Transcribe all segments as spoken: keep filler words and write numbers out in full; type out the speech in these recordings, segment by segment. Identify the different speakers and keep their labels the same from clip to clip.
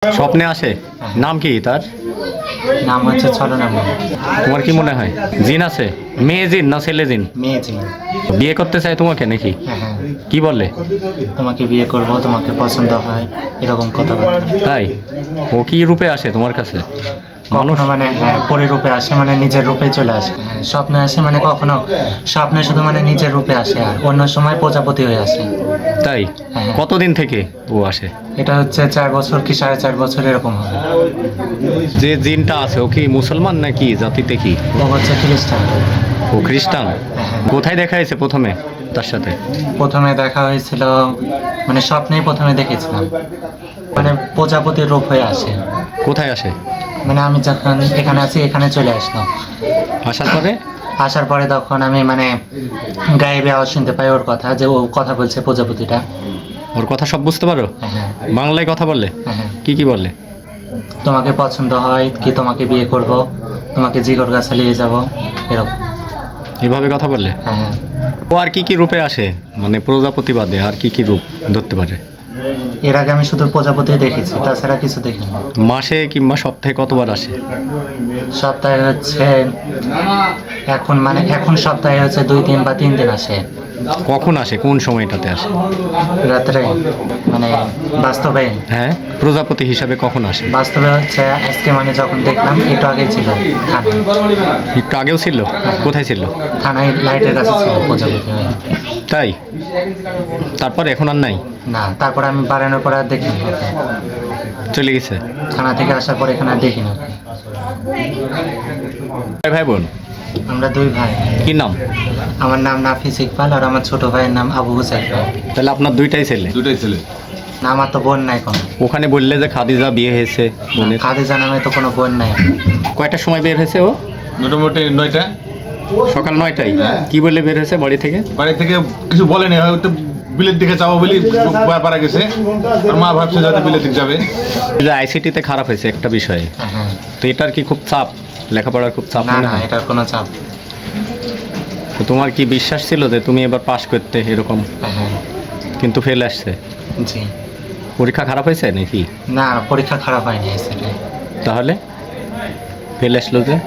Speaker 1: স্বপ্নে আসে? নাম কি তার?
Speaker 2: নাম হচ্ছে ছলনাময়ী।
Speaker 1: তোমার কি মনে হয় জিন আছে? মেয়ে জিন না ছেলে জিন?
Speaker 2: মেয়ে জিন।
Speaker 1: বিয়ে করতে চায় তোমাকে নাকি?
Speaker 2: হ্যাঁ হ্যাঁ,
Speaker 1: কি বলে?
Speaker 2: তোমাকে বিয়ে করব, তোমাকে পছন্দ হয়, এরকম কথাবার্তা।
Speaker 1: তাই? ও কি রূপে আসে তোমার কাছে? মানুষ?
Speaker 2: কখনো মানে হ্যাঁ, পরে রূপে আসে, মানে নিজের রূপে চলে আসে। হ্যাঁ, স্বপ্নে আসে, মানে কখনো স্বপ্নে শুধু মানে নিজের রূপে আসে, আর অন্য সময় প্রজাপতি হয়ে আসে।
Speaker 1: তাই?
Speaker 2: হ্যাঁ।
Speaker 1: কতদিন থেকে ও আসে?
Speaker 2: এটা হচ্ছে চার বছর কি সাড়ে চার বছর এরকম হবে।
Speaker 1: যে জিনটা আছে ও কি মুসলমান নাকি জাতিতে কি?
Speaker 2: ও হচ্ছে খ্রিস্টান।
Speaker 1: ও খ্রিস্টান?
Speaker 2: হ্যাঁ।
Speaker 1: কোথায় দেখা হয়েছে প্রথমে তার সাথে?
Speaker 2: প্রথমে দেখা হয়েছিল, মানে স্বপ্নেই প্রথমে দেখেছিলাম, মানে প্রজাপতির রূপ হয়ে আসে।
Speaker 1: কোথায় আসে?
Speaker 2: মানে আমি যখন এখানে আছি, এখানে চলে আসলাম।
Speaker 1: আসার পরে?
Speaker 2: আসার পরে তখন আমি মানে গায়েবে আওয়াজ শুনতে পাই ওর কথা, যে ও কথা বলছে প্রজাপতিটা।
Speaker 1: ওর কথা সব বুঝতে পারো?
Speaker 2: হ্যাঁ হ্যাঁ
Speaker 1: বাংলায় কথা বললে?
Speaker 2: হ্যাঁ হ্যাঁ।
Speaker 1: কি কি বলে?
Speaker 2: তোমাকে পছন্দ হয় কি, তোমাকে বিয়ে করব, তোমাকে জিগর গাছে নিয়ে যাব, এরকম।
Speaker 1: এভাবে কথা বললে?
Speaker 2: হ্যাঁ হ্যাঁ।
Speaker 1: ও আর কি কি রূপে আসে, মানে প্রজাপতি বাদে আর কি কি রূপ ধরতে পারে?
Speaker 2: এর আগে আমি শুধু প্রজাপতি দেখেছি, তাছাড়া কিছু দেখিনি।
Speaker 1: মাসে কিংবা সপ্তাহে কতবার আসে?
Speaker 2: সপ্তাহে হচ্ছে এখন মানে এখন সপ্তাহে হচ্ছে দুই দিন বা তিন দিন আসে।
Speaker 1: কখন আসে, কোন সময়টাতে আসে?
Speaker 2: রাত্রে, মানে বাস্তবে
Speaker 1: হ্যাঁ, প্রজাপতি হিসাবে কখন আসে?
Speaker 2: বাস্তবে হচ্ছে আজকে মানে যখন দেখলাম একটু আগে ছিল থানায়।
Speaker 1: একটু আগেও ছিল? কোথায় ছিল?
Speaker 2: থানায় লাইটের কাছে ছিল প্রজাপতি হয়ে।
Speaker 1: তাই? তারপর এখন আর নাই?
Speaker 2: না, তারপর আমি বাড়ানোর পর আর দেখিনি ওকে।
Speaker 1: চলে গেছে?
Speaker 2: থানা থেকে আসার পর এখানে আর দেখিনি ওকে।
Speaker 1: ভাই ভাই বোন?
Speaker 2: আমরা দুই ভাই।
Speaker 1: কি নাম?
Speaker 2: আমার নাম নাফিস ইকবাল, আর আমার ছোট ভাইয়ের নাম আবু হুসাইন।
Speaker 1: তাহলে আপনার দুইটাই ছেলে?
Speaker 3: দুটাই ছেলে।
Speaker 2: না, আমার তো বোন নাই কোনো।
Speaker 1: ওখানে বললে যে খাদিজা বিয়ে হয়েছে বোনের।
Speaker 2: খাদিজা নামে তো কোনো বোন নাই।
Speaker 1: কয়টার সময় বের হয়েছে ও?
Speaker 3: মোটামুটি নয়টা।
Speaker 1: সকাল নয়টায়? কি বলে বের হয়েছে বাড়ি থেকে?
Speaker 3: বাড়ি থেকে কিছু বলেনি, হয়তো বিলের দিকে যাবো বলি পারা গেছে। আর মা ভাবছে যাতে বিলের দিকে যাবে।
Speaker 1: যে আইসিটিতে খারাপ হয়েছে একটা বিষয়ে,
Speaker 2: হ্যাঁ।
Speaker 1: তো এটার কি খুব চাপ, লেখাপড়ার খুব চাপ
Speaker 2: না
Speaker 1: মনে
Speaker 2: না,
Speaker 1: হয়?
Speaker 2: এটার কোনো চাপ।
Speaker 1: তো তোমার কি বিশ্বাস ছিল যে তুমি এবার পাশ করতে এরকম,
Speaker 2: হ্যাঁ।
Speaker 1: কিন্তু ফেল আসছে?
Speaker 2: জি।
Speaker 1: পরীক্ষা খারাপ হয়েছে নাকি?
Speaker 2: না, পরীক্ষা খারাপ হয়নি সেটাই।
Speaker 1: তাহলে ফেল আসলো যে?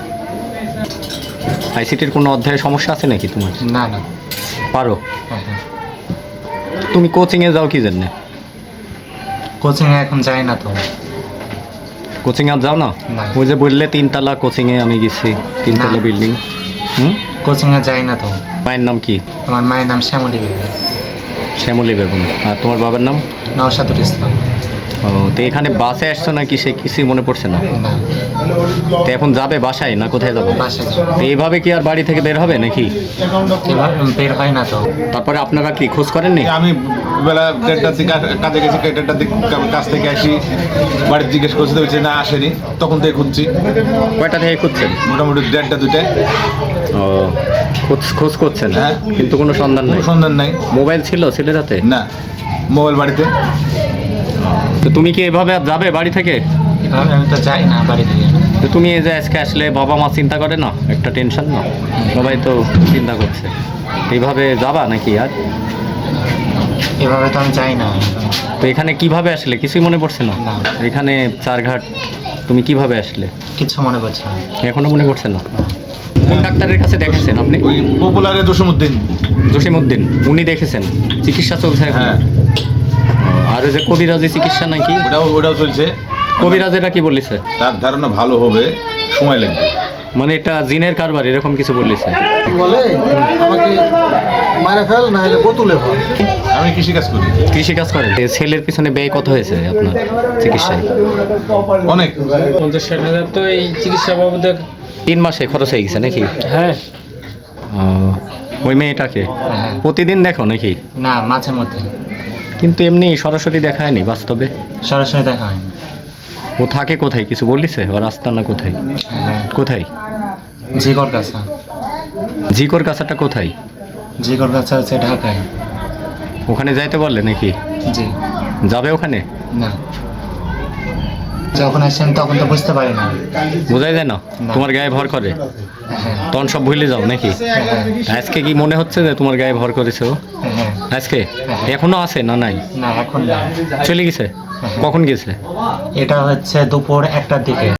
Speaker 1: আইসিটির কোনো অধ্যায়ে সমস্যা আছে নাকি তোমার?
Speaker 2: না না।
Speaker 1: পারো?
Speaker 2: হ্যাঁ হ্যাঁ।
Speaker 1: তুমি কোচিংয়ে যাও কি জন্যে?
Speaker 2: কোচিংয়ে এখন যাই না তো।
Speaker 1: কোচিং আর যাও না?
Speaker 2: না।
Speaker 1: ওই যে বললে তিনতলা কোচিংয়ে আমি গেছি, তিনতলা
Speaker 2: না।
Speaker 1: বিল্ডিং। হুম,
Speaker 2: কোচিংয়ে যাই না তো।
Speaker 1: মায়ের নাম কি?
Speaker 2: আমার মায়ের নাম শ্যামলী বেগম।
Speaker 1: শ্যামলী বেগম। আর তোমার বাবার নাম?
Speaker 2: নওশাদুল ইসলাম।
Speaker 1: ও, তো এখানে বাসে আসছো নাকি সে কিছুই মনে পড়ছে না?
Speaker 2: না,
Speaker 1: তো এখন যাবে বাসায় না কোথায় যাবে?
Speaker 2: বাসায়
Speaker 1: তো এইভাবে কি আর বাড়ি থেকে বের হবে নাকি?
Speaker 2: এবার বের হয় না তো।
Speaker 1: তারপরে আপনারা কি খোঁজ করেননি?
Speaker 3: আমি বেলা দেড়টার দিকে কাজে গেছি, দেড়টার দিকে কাজ থেকে আসি, বাড়ির জিজ্ঞেস করছি, বলছে না আসেনি। তখন থেকে খুঁজছি,
Speaker 1: কয়টা থেকে খুঁজছেন?
Speaker 3: মোটামুটি দেড়টা দুটায়।
Speaker 1: ও, খোঁজ খোঁজ করছেন?
Speaker 3: হ্যাঁ।
Speaker 1: কিন্তু কোনো সন্ধান
Speaker 3: কোনো
Speaker 1: নেই?
Speaker 3: সন্ধান নাই।
Speaker 1: মোবাইল ছিল ছেলের হাতে?
Speaker 3: না, মোবাইল বাড়িতে।
Speaker 1: তো তুমি কি এভাবে আর যাবে বাড়ি থেকে?
Speaker 2: এভাবে আমি তো যাই না বাড়ি থেকে।
Speaker 1: তো তুমি এই যে আজকে আসলে বাবা মা চিন্তা করে না, একটা টেনশন না? সবাই তো চিন্তা করছে, এইভাবে যাবা নাকি আর?
Speaker 2: এভাবে তো আমি যাই না।
Speaker 1: তো এখানে কিভাবে আসলে কিছুই মনে পড়ছে না?
Speaker 2: না।
Speaker 1: এখানে চারঘাট তুমি কিভাবে আসলে?
Speaker 2: কিছু মনে পড়ছে না।
Speaker 1: এখনো মনে পড়ছে না? কোন ডাক্তারের কাছে দেখেছেন আপনি?
Speaker 3: ওই পপুলারে জসিমউদ্দিন।
Speaker 1: জসিমউদ্দিন, উনি দেখেছেন? চিকিৎসা চলছে এখন?
Speaker 3: হ্যাঁ,
Speaker 1: আর ওই যে কবিরাজি চিকিৎসা নাকি?
Speaker 3: ওটাও ওটাও চলছে।
Speaker 1: কবিরাজেরা কি বলেছে?
Speaker 3: তার ধারণা ভালো হবে, সময় লাগবে।
Speaker 1: মানে এটা জিনের কারবার এরকম কিছু বলেছে?
Speaker 4: বলে আমাকে মারা ফেল, না হলে বোতলে ফেল।
Speaker 3: আমি কৃষিকাজ করি।
Speaker 1: কৃষি কাজ করেন? এ ছেলের পিছনে ব্যয় কত হয়েছে আপনার চিকিৎসায়?
Speaker 3: অনেক।
Speaker 5: পঞ্চাশ ষাট হাজার তো এই চিকিৎসা বাবদে।
Speaker 1: তিন মাসে খরচ হয়ে গেছে নাকি?
Speaker 5: হ্যাঁ।
Speaker 1: ও, ওই মেয়েটাকে
Speaker 2: হ্যাঁ।
Speaker 1: প্রতিদিন দেখো নাকি?
Speaker 2: না, মাঝে মধ্যে।
Speaker 1: কিন্তু এমনি সরাসরি দেখায়নি বাস্তবে?
Speaker 2: সরাসরি দেখা হয়নি।
Speaker 1: ও থাকে কোথায় কিছু বলিছে? ওর আস্তানা কোথায়?
Speaker 2: হ্যাঁ।
Speaker 1: কোথায়?
Speaker 2: জিগর গাছা।
Speaker 1: জিকর কাছাটা কোথায়?
Speaker 2: জিগর গাছা হচ্ছে ঢাকায়।
Speaker 1: ওখানে যাইতে বললে নাকি?
Speaker 2: জি।
Speaker 1: যাবে ওখানে?
Speaker 2: না, যখন আসেন তখন তো বুঝতে পারি না।
Speaker 1: বোঝাই যায় না?
Speaker 2: না।
Speaker 1: তোমার গায়ে ভর করে
Speaker 2: হ্যাঁ
Speaker 1: তখন সব ভুলে যাও নাকি?
Speaker 2: হ্যাঁ
Speaker 1: আজকে কি মনে হচ্ছে যে তোমার গায়ে ভর করেছে ও?
Speaker 2: হ্যাঁ।
Speaker 1: আজকে এখনো আছে না নাই?
Speaker 2: না, এখন না।
Speaker 1: চলে গেছে? কখন গেছিলে?
Speaker 2: এটা হচ্ছে দুপুর একটার দিকে।